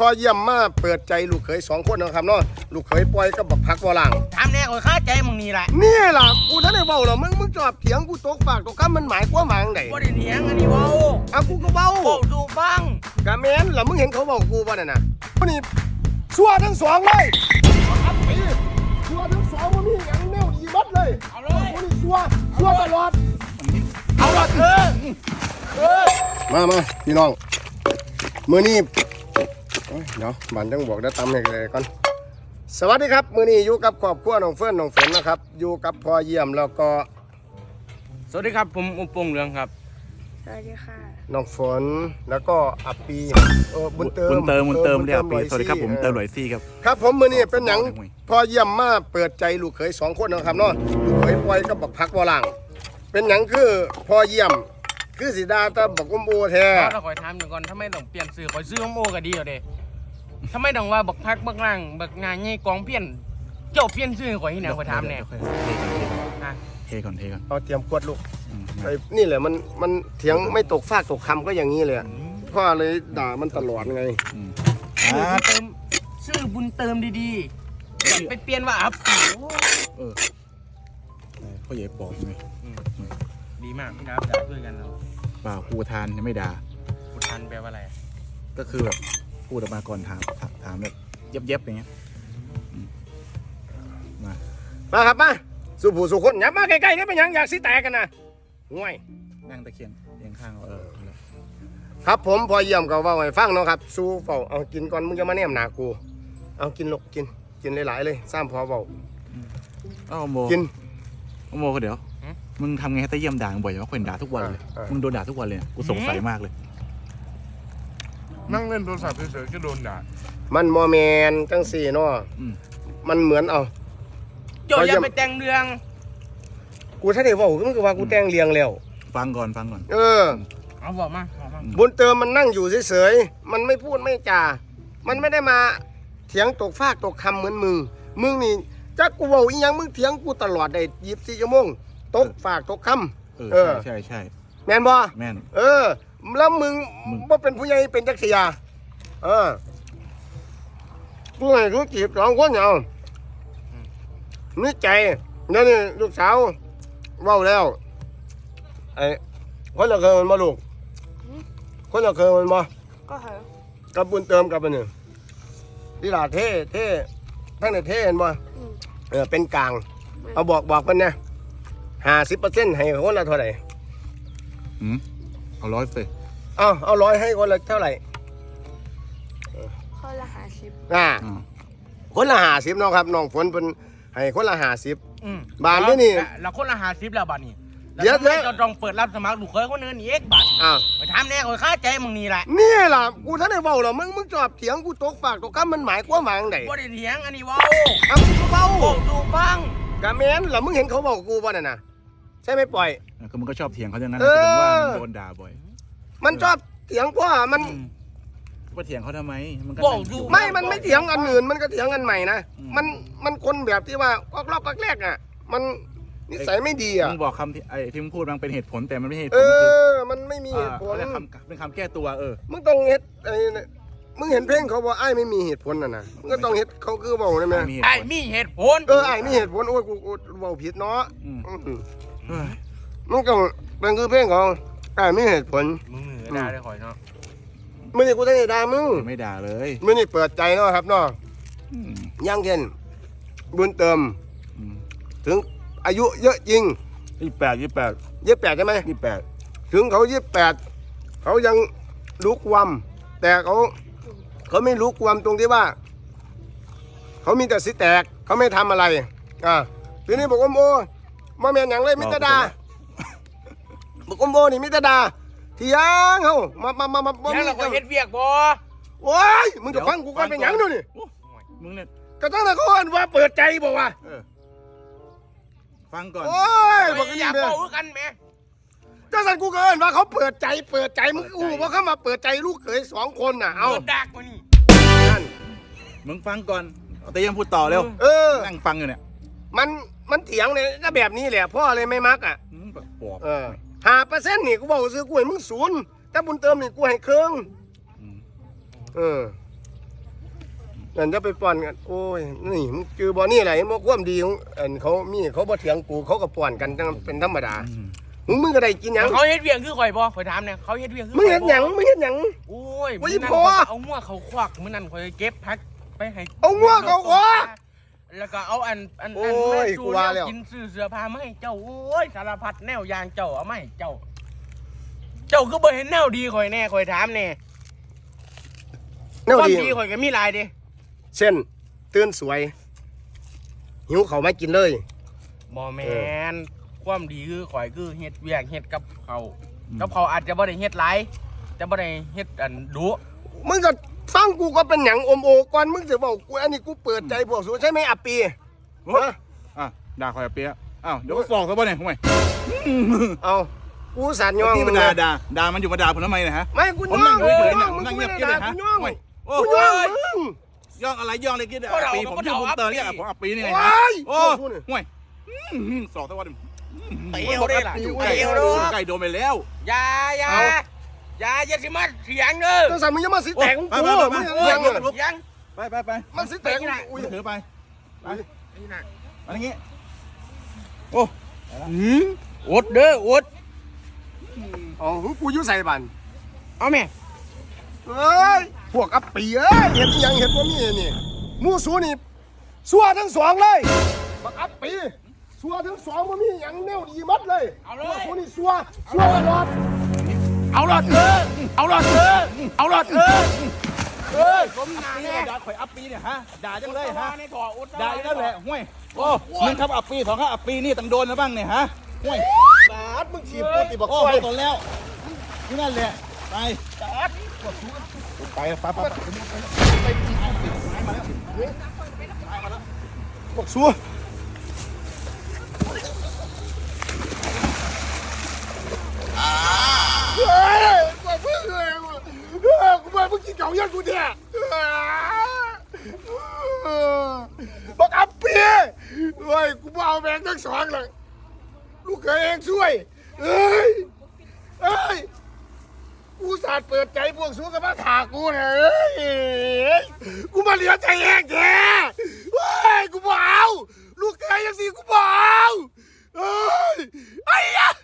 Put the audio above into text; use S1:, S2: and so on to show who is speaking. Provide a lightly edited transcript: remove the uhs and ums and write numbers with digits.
S1: อเยี่ยมมาเปิดใจลูกเขย2 คนนะครับเนาะลูกเขยปล่อยกับบักพักบ่ล่าง
S2: ถามแน่ข่อยคาใจมึงนี่แหละ
S1: นี่ล่ะกูท่านได้เว้าหรอมึงจอบเถียงกูตกปากตกคำมันหมายความว่าจังได๋
S2: บ่ได้เถียงอันนี้เว้า
S1: กูก็เว้า
S2: ดูฟัง
S1: กะแม่นล่ะมึงเห็นเขาเว้ากูบ่นั่นน่ะนี่ชั่วทั้ง2เลยครับไปชั่วทั้ง2บ่มีหยังแนวดีบัดเลย
S2: เอาเลย
S1: นี่ชั่วตลอด
S2: เอาละ
S1: มาพี่น้องมื้อนี้เดี๋ยวบ้านจังบอกได้ตำให้เลยก่อนสวัสดีครับมื้อนี้อยู่กับครอบครัวน้องเฟิร์นน้องฝนนะครับอยู่กับพ่อเยี่ยมแล้วก็
S2: สวัสดีครับผมอุปงเหลืองครับ
S3: สวัสดีค่ะ
S1: น้องฝนแล้วก็อัปปีบุญเติม
S4: เรียกปีสวัสดีครับผมเติมหลอยซี่ครับ
S1: ครับผมมื้อนี้เป็นหยังพ่อเยี่ยมมาเปิดใจลูกเขย2 คนนะครับเนาะลูกเขยปล่อยกับบักพักบ่ล่างเป็นหยังคือพ่อเยี่ยมคือสิดาตาบักอมโอแท้
S2: เราคอยถามหนึ่งก่อนทำไมต้องเปลี่ยนสื่อคอยซื้ออมโอก็ดีอยู่เด้ทำไมต้องว่าบักพักบักล่างบักงานใหญ่กองเพี้ยนเจ้าเพี้ยนซื้อคอยที่ไหนคอยถามแน่
S4: เทก่อน
S1: เอาเตรียมขวดลูกนี่แหละมันเถียงไม่ตกฟากตกคำก็อย่างนี้เลยพ่อเลยด่ามันตลอดไง
S2: ชื่อบุญเติมดีๆไปเปลี่ยนว่าอัพ
S4: พ่อใหญ่ปอบไง
S2: ดีมากพี่น้ำด่าด้วยกันเรา
S4: เปล่าครูทานยังไม่ด่า
S2: ครูทานแปลว่าอะไร
S4: ก็คือแบบพูดออกมาก่อนถามแบบเย็บอย่างเงี้ย
S1: มาครับมาสู่ผู้สู่คนอย่ามาใกล้ๆนี่เป็นยังอยากสิแตกกันนะง่วย
S4: นั่งตะเคียงข้าง
S1: ครับผมพอเยี่ยมกับว่าไงฟังเนาะครับสู้เฝ้าเอากินก่อนมึงจะมาแนมหนากูเอากินลูกกินหลายๆเลยซ้ำพอเฝ้ากิน
S4: โมก็เดี๋ยวมึงทำไงให้ตะเยี่ยมด่าบ่อยว่าคนด่าทุกวันเลยมึงโดนด่าทุกวันเลยกูสงสัยมากเลย
S2: นั่งเล่นโทรศัพท์เฉยๆก็โดนด่า
S1: มันโมเมนจังสี่เนาะมันเหมือนเอา
S2: โยอย่าไปแต่งเรื่อง
S1: กูถ้าได้ว่าก็มันคือว่ากูแต่งเรียงแล้ว
S4: ฟังก่อน
S2: เอาบอกมา
S1: บุญเติมมันนั่งอยู่เฉยๆมันไม่พูดไม่จามันไม่ได้มาเถียงตกฟากตกคำเหมือนมึงนี่จักกูบอกอีหยังมึงเถียงกูตลอดได้24 ชั่วโมงตกฟากตกคำ
S4: ใช่
S1: แม่นบ่
S4: แม่น
S1: แล้วมึงว่าเป็นผู้ใหญ่เป็นจักรยากูให้รู้จีบ2 คนเอานี่ใจนี่ลูกสาวเว้าแล้วไอ้คนละเคยมันมาลูกคนละเคยมันมา
S3: ก็เหรอ
S1: กับบุญเติมกับอันนี้ที่หลาเท่ทั้งในเท่เห็นบ่เป็นกลางเอาบอกกันเนี่ย50%ให้คนละเท่าไหร่
S4: เอา100สิ
S1: เอา100ให้คนละเท่าไหร่
S3: คนละ50
S1: คนละ50น้องครับน้องฝนเป็นให้คนละ50บาทนี่
S2: เราคนละ50แล้วบาทนี่
S1: เดี๋ยว
S2: จะต้องเปิดรับสมัครลูกเคยคนนึงนี่บาทไปถามแน่ข่อยคาใจมึงนี่แหละ
S1: นี่ล่ะกูท่านได้เว้าหรอมึงจอบเถียงกูตกปากตกคำมันหมายความว่าจังได๋
S2: บ่ได้เถียงอันนี้เว้า
S1: กูก็เว้า
S2: ดูฟัง
S1: กะแม่นล่ะมึงเห็นเขาบอกกูบ่นั่นน่ะใช่ไหมปล่อย
S4: ก็มึงก็ชอบเถียงเขาอย่างนั้นถึงว่าโดนด่าบ่อย
S1: มันชอบเถียงเพราะมัน
S4: ว่าเถียงเขาทำไมมัน
S1: มันไม่เถียงอันอื่นมันก็เถียงอันใหม่นะมันคนแบบที่ว่ารอบแรกอ่ะมันนิสัยไม่ดีอ่ะ
S4: มึงบอกคำที่มึงพูดมันเป็นเหตุผลแต่มันไม่เหตุผล
S1: มันไม่มีเหตุผล
S4: เป็นคำแก้ตัว
S1: มึงต้องเฮ็ดมึงเห็นเพลงเขาบอกไอ้ไม่มีเหตุผลนะมึงก็ต้องเฮ็ดเขาคือบอกได้ไหม
S2: ไอ้มีเหตุผล
S1: ไอ้มีเหตุผลโอ้ยกูเว้าผิดเนาะมึงต้องเป็นคือเพลงของไอ้มีเหตุผล
S2: มึงด่าได้ข่อยเนาะ
S1: มึงนี่กูได้ด่ามึง
S4: ไม่ด่าเลย
S1: มึงนี่เปิดใจเนาะครับเนาะยังเย็นบุญเติมถึงอายุเยอะจริง28ใช่ไหม28ถึงเขา28เขายังรู้ความแต่เขาไม่รู้ความตรงที่ว่าเขามีแต่สิแตกเขาไม่ทำอะไรทีนี้บอกว่าโมมาแมนอย่างไรมิตรดาบอกว่าโมนี่มิตรดาเถียงเขามา
S2: แล้วเราก็เฮ็ดเวียกบ่
S1: โอ้ยมึงจะฟังกูก่อนเป็นอย่างนู้นนี่
S4: มึงเนี่ย
S1: ก็ตั้งแต่ก่อนว่าเปิดใจบอกว่า
S4: ฟังก่อน
S1: โอ้ยบอกกัน
S2: นี่แม่กันแม่
S1: ถ้าสั่นกูเกินว่าเขาเปิดใจมึงกูว่าเขามาเปิดใจลูกเขย2 คนน่ะเอา
S2: ดักมานี่
S4: นั่นมึงฟังก่อนแต่ยังพูดต่อเร็วนั่งฟังอยู่เนี่ย
S1: มันเถียงเนี่ยก็แบบนี้แหละพ่อเลยไม่มัก5%นี่กูบอกซื้อกูให้มึง0แต่บุญเติมนี่กูให้ครึ่งนั่นจะไปป้อนกันโอ้ยนี่มึงคือบ่นี่แหละมันความดีของเขามีเขาบ่เถียงกูเขาก็ป้อนกันจังเป็นธรรมดามึงก็ได้กินหยัง
S2: เขาเฮ็ดเวียงคือข่อยบ่ข่อยถามเนี่ยเขาเฮ็ดเวียงคือ
S1: มึงเฮ็ดหยังมึงเฮ็ดหยัง
S2: โอ้ย
S1: โอ้ย
S2: มื้อนั้น
S1: พ่อ
S2: ข่อยเอามั่วเขาควักมื้อนั้นข่อยเก็บพักไปให้
S1: เอามั่วเขาควัก
S2: แล้วก็เอาอัน
S1: โอ้ย
S2: สู่
S1: กูว่าแล้ว
S2: กินซื้อเสื้อผ้ามาให้เจ้าโอ้ยสารพัดแนวยางเจ้าเอามาให้เจ้า เจ้าก็บ่เห็นแนวดีข่อยแน่ข่อยถามแน่
S1: แนว
S2: ความ
S1: ดี
S2: ดีข่อยก็มีหลายเด้
S1: เช่นตื่นสวยหิวเขาวไม่กินเลย
S2: บ่แม่นความดีคือข่อยคือเฮ็ดเวียกเฮ็ดกับเขากับเขาอาจจะบ่ได้เฮ็ดหลายแต่บ่ได้เฮ็ดอันดุ
S1: มึงก็ฟังกูก็เป็นหยังอมโอก่อนมึงจะบอกกูอันนี้กูเปิดใจพวกสูใช่ไหมอัปปีฮะ
S4: อ่ะด่าคอยเปียะอ้าวเดี๋ยวก็ฟ้องซะบ่เนี่ยห่วย
S1: เอากูสานย่อง
S4: ที่มันด่ามันอยู่มาด่าผมทำไมนะฮะ
S1: ไม่กู
S4: ผม
S1: ย่อ
S4: นั่
S1: ง
S4: งเฉยๆ
S1: ย่
S4: เนี่
S1: อย ง
S4: ผม
S1: มึง
S4: นั่ง
S1: ไม่
S4: เงียบ
S1: ได้
S4: ๆเลย
S1: ด่า
S4: ฮะ
S1: กูย่อง
S4: โอ้
S1: กู
S4: โห
S1: ย่องมึง
S4: ย่องอะไรย่องอะไรกิน
S2: ก็เรา
S4: ปีผมชื่อบุญเตอร์เนี่ยผมอัปปีนี่ไง
S1: โอ้
S4: ฮะ
S1: ย
S4: โอ้
S1: พูดนี่
S4: ห่วยสอกตะวัน
S2: เตียวได้ล่ะ
S1: อยู่
S2: เตียว
S1: เตียว
S2: เด้อ
S4: ไก่โดนไปแล้ว
S2: อย่าอย่า
S1: เอา
S2: อย่าสิมาเถียงเด้อ
S1: ตั้งแต่มึงยังมาสิแตกของกู
S4: ไป
S1: มึง
S4: ๆ
S1: ยัง
S4: ๆ
S1: ยัง
S2: เถียง
S4: ไป
S1: มันสิแตกของกูอุ้ย
S4: ถือไปไป
S2: นี่น่ะ
S4: อะไรเงี้ยโอ้
S2: อดเด้ออด
S1: อ๋อกูอยู่ใส่บัน
S2: เอาแม่
S1: เอ้ยพวกอัปปีเอ้ยเห็นยังเห็นว่ามีนี่มูสูนี่สัวทั้งสองเลยบักอัปปีสัวทั้งสองว่ามีหยังแนวดีมัดเลย
S2: เอาเลย
S1: พวกสูนี่สัวตลอด
S2: เอาหลอดเออเอาหลอดเออเอาหลอดเออผมหนาแน่
S4: ด่าข่อยอัปปีเนี่ยฮะด่าจังเลยฮะ
S2: ในถ่ออุด
S4: ด่าอยู่นั่นแหละห่วยโอ้หนึ่งครับอัปปีสองครับอัปปีนี่ต้องโดนนะบ้างเนี่ยฮะห่วย
S1: บาดมึงฉีบกูติบอก
S4: โอ้
S1: กล้วย
S4: โดนแล้วที่นั่นแหละไป
S1: บอกสัวเฮ้ยกูเพิ่งเลยกูมาเพิ่งกินเก่ายันกูเนี่ยบอกอัปปีเฮ้ยกูมาเอาแบงค์ทั้งสองเลยลูกเคยเองช่วยเฮ้ยเฮ้ยกูสาดเปิดใจพวกสู้กับมาถากูเนี่ยเฮ้ยกูมาเหลือใจเองแท้เฮ้ยกูบ่เอาลูกเคยยังสิกูบ่เอาเฮ้ยไอ้ยะ